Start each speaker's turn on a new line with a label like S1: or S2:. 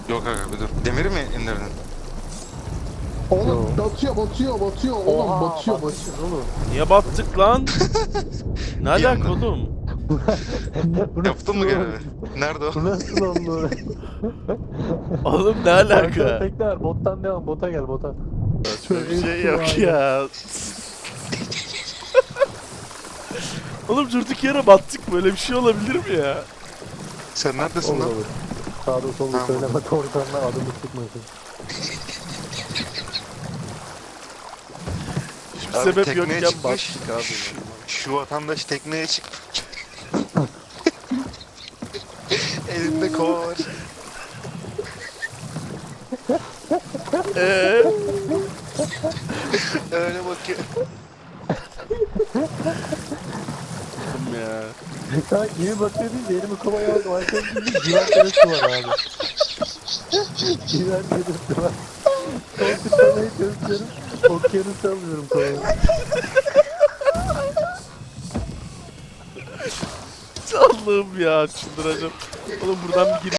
S1: Yok aga bir dur. Demiri mi indirdin?
S2: Oğlum batıyor. Oğlum
S3: Oha,
S2: batıyor.
S3: batmışız oğlum.
S4: Niye battık lan? Ne
S1: Bir
S4: alaka
S1: anda.
S4: oğlum?
S3: Bu
S1: Yaptın mı
S3: nasıl
S1: görevi?
S3: oldu?
S1: Nerede o?
S3: Bu nasıl oldu?
S4: Oğlum ne
S3: Arkada
S4: alaka?
S3: tekne var. Bottan devam. Bota gel bota.
S4: Saçma bir şey yok ya. Oğlum durduk yere battık, böyle bir şey olabilir mi ya?
S1: Sen neredesin
S3: Olur
S1: lan?
S3: olur. Sağda solda
S1: Tamam.
S3: söyleme. Korkanlar adımı çıkmasın.
S4: Hiçbir
S1: Abi
S4: sebep
S1: tekneye
S4: yokken
S1: çıkmış.
S4: battık abi.
S1: Şu vatandaş tekneye çıkmış. Elinde kova var. Öyle bakıyor.
S4: Oğlum ya.
S3: Ha gibi bakıyor değil de elimi kovaya aldım. Arkadaşım bir güven terası var abi. Güven terası var. Son tutmaya çalışıyorum. Okyanusu alıyorum kovaya.
S4: Allah'ım ya, çıldıracağım. Oğlum buradan bir